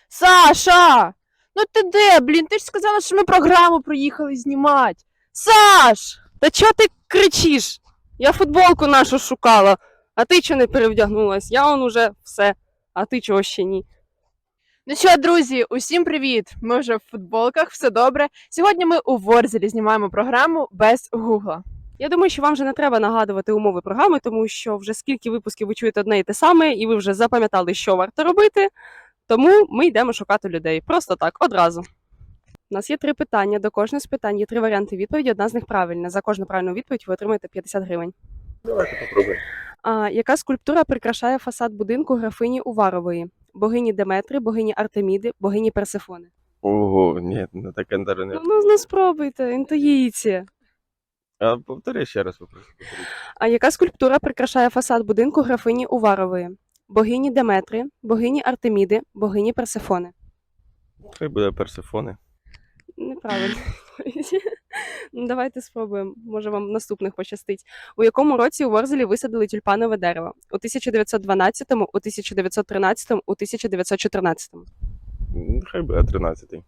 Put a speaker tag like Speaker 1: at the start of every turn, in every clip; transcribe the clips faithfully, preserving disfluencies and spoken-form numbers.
Speaker 1: Саша! Ну ти де, блін? Ти ж сказала, що ми програму приїхали знімати. Саш!
Speaker 2: Та чого ти кричиш? Я футболку нашу шукала, а ти чого не перевдягнулась? Я он уже все, а ти чого ще ні?
Speaker 1: Ну що, друзі, усім привіт! Ми вже в футболках, все добре. Сьогодні ми у Ворзелі знімаємо програму без гугла.
Speaker 2: Я думаю, що вам вже не треба нагадувати умови програми, тому що вже скільки випусків ви чуєте одне і те саме, і ви вже запам'ятали, що варто робити. Тому ми йдемо шукати людей. Просто так, одразу. У нас є три питання. До кожного з питань є три варіанти відповіді. Одна з них правильна. За кожну правильну відповідь ви отримаєте п'ятдесят гривень.
Speaker 3: Давайте попробуємо.
Speaker 2: А, яка скульптура прикрашає фасад будинку графині Уварової? Богині Деметри, богині Артеміди, богині Персефони.
Speaker 3: Ого, ні, не таке не не.
Speaker 2: Ну, ну, ну спробуйте, інтуїція.
Speaker 3: А повтори ще раз попрошу. повторіть.
Speaker 2: А яка скульптура прикрашає фасад будинку графині Уварової? Богині Деметри, богині Артеміди, богині Персефони.
Speaker 3: Хай буде Персефони.
Speaker 2: Неправильно. Ну, давайте спробуємо. Може, вам наступних пощастить. У якому році у Ворзелі висадили тюльпанове дерево? У тисяча дев'ятсот дванадцятому, у тисяча дев'ятсот тринадцятому, у тисяча дев'ятсот чотирнадцятому.
Speaker 3: М, Хай буде тринадцятий.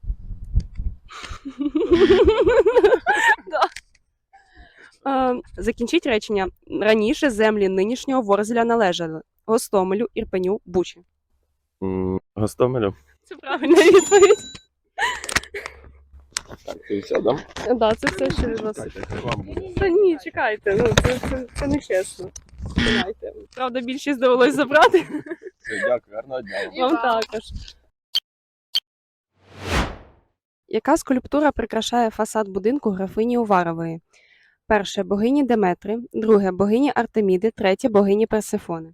Speaker 2: Е, Закінчіть речення. Раніше землі нинішнього Ворзеля належали Гостомелю, Ірпеню, Бучі.
Speaker 3: М, Гостомелю.
Speaker 2: Це правильна відповідь.
Speaker 3: Так, ти все, да?
Speaker 2: Да, це все, що від вас.
Speaker 3: Чекайте, хай вам буде.
Speaker 2: Та ні, чекайте, ну це, це, це не чесно. Давайте. Правда, більшість довелось забрати.
Speaker 3: Все, дякую, гарного дня. вам.
Speaker 1: І
Speaker 2: Вам
Speaker 1: вам.
Speaker 2: також. Яка скульптура прикрашає фасад будинку графині Уварової? Перше богині Деметри, друге богині Артеміди, третє богині Персефони.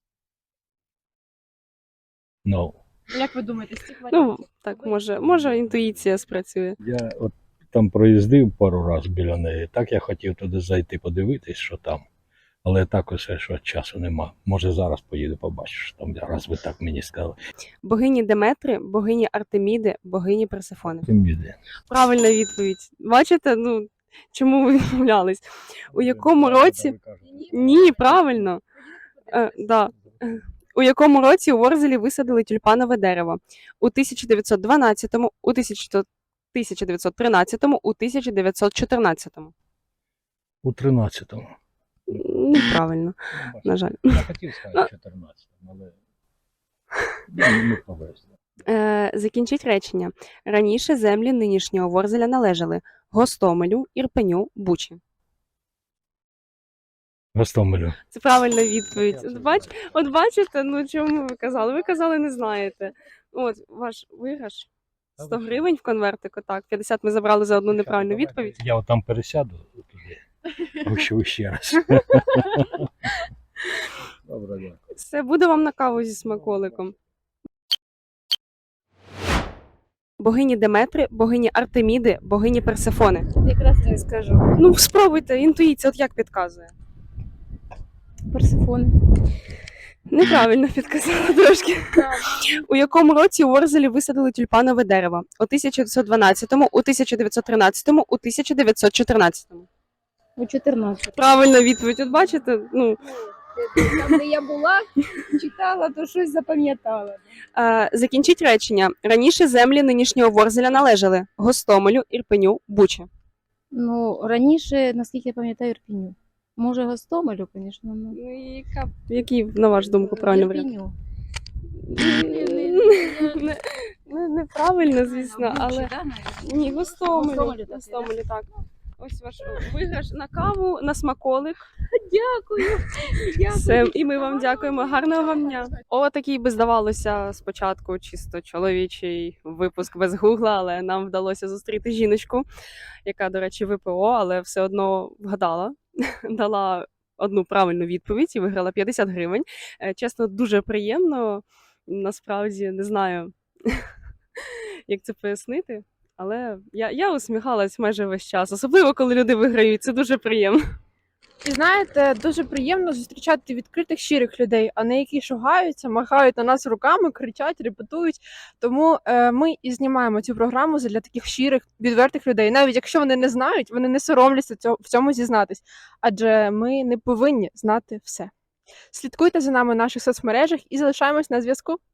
Speaker 4: Ну,
Speaker 1: Як ви думаєте, з цих
Speaker 2: Ну,
Speaker 1: варіантів?
Speaker 2: так, може, може інтуїція спрацює.
Speaker 4: я от там проїздив пару разів біля неї. Так я хотів туди зайти подивитись, що там. Але так усе, що часу нема. Може зараз поїду, побачиш, там, раз ви так мені сказали.
Speaker 2: Богині Деметри, богині Артеміди, богині Персефони.
Speaker 4: Тим іде.
Speaker 2: Правильна відповідь. Бачите, ну чому ви відмовлялись? У якому році? Ні, правильно. Е, да. У якому році у Ворзелі висадили тюльпанове дерево? У тисяча дев'ятсот дванадцятому, у тисяча дев'ятсот тринадцятому, у тисяча дев'ятсот чотирнадцятому.
Speaker 4: У тринадцятому.
Speaker 2: Неправильно, на жаль.
Speaker 4: Я хотів сказати чотирнадцятому, але ну, не повезло.
Speaker 2: Е, закінчіть речення. Раніше землі нинішнього Ворзеля належали Гостомелю, Ірпеню, Бучі.
Speaker 4: Гостомелю.
Speaker 2: Це правильна відповідь. От, бач, от бачите, ну чому ви казали? Ви казали, не знаєте. От, ваш виграш. сто гривень в конвертику, так. п'ятдесят ми забрали за одну неправильну відповідь.
Speaker 4: Я от там пересяду туди. Гущу ще раз. Добре, дякую.
Speaker 2: Все, буде вам на каву зі смаколиком. Богині Деметри, богині Артеміди, богині Персефони.
Speaker 1: Якраз не скажу.
Speaker 2: Ну, спробуйте, інтуїція, от як підказує.
Speaker 1: Персифон.
Speaker 2: Неправильно підказала трошки. У якому році у Ворзелі висадили тюльпанове дерево? У тисяча дев'ятсот дванадцятому, у тисяча дев'ятсот тринадцятому, у тисяча дев'ятсот чотирнадцятому.
Speaker 5: У чотирнадцять.
Speaker 2: Правильна відповідь. От бачите, ну,
Speaker 5: Там, де я була, читала, то щось запам'ятала.
Speaker 2: е, закінчіть речення. Раніше землі нинішнього Ворзеля належали Гостомелю, Ірпеню, Бучі.
Speaker 5: Ну, раніше, наскільки я пам'ятаю, Ірпіню. Може, Гостомелю, звісно. Ну.
Speaker 2: Ну, і яка, який, на вашу думку, правильний варіант?
Speaker 5: Ірпіню.
Speaker 2: Не- не- Неправильно, звісно, але ні, Гостомелю.
Speaker 5: Гостомелю, так,
Speaker 2: Гостомелю, так. Ось ваш виграш на каву, на смаколик.
Speaker 5: Дякую.
Speaker 2: Все, і ми вам дякуємо. Гарного вам дня. О, такий би здавалося спочатку чисто чоловічий випуск без гугла, але нам вдалося зустріти жіночку, яка, до речі, ВПО, але все одно вгадала, дала одну правильну відповідь і виграла п'ятдесят гривень. Е, Чесно, дуже приємно. Насправді не знаю, як це пояснити. Але я, я усміхалась майже весь час, особливо коли люди виграють. Це дуже приємно.
Speaker 1: І знаєте, дуже приємно зустрічати відкритих, щирих людей, а не які шугаються, махають на нас руками, кричать, репетують. Тому е, ми і знімаємо цю програму для таких щирих, відвертих людей. Навіть якщо вони не знають, вони не соромляться цього, в цьому зізнатись. Адже ми не повинні знати все. Слідкуйте за нами в наших соцмережах і залишаємось на зв'язку.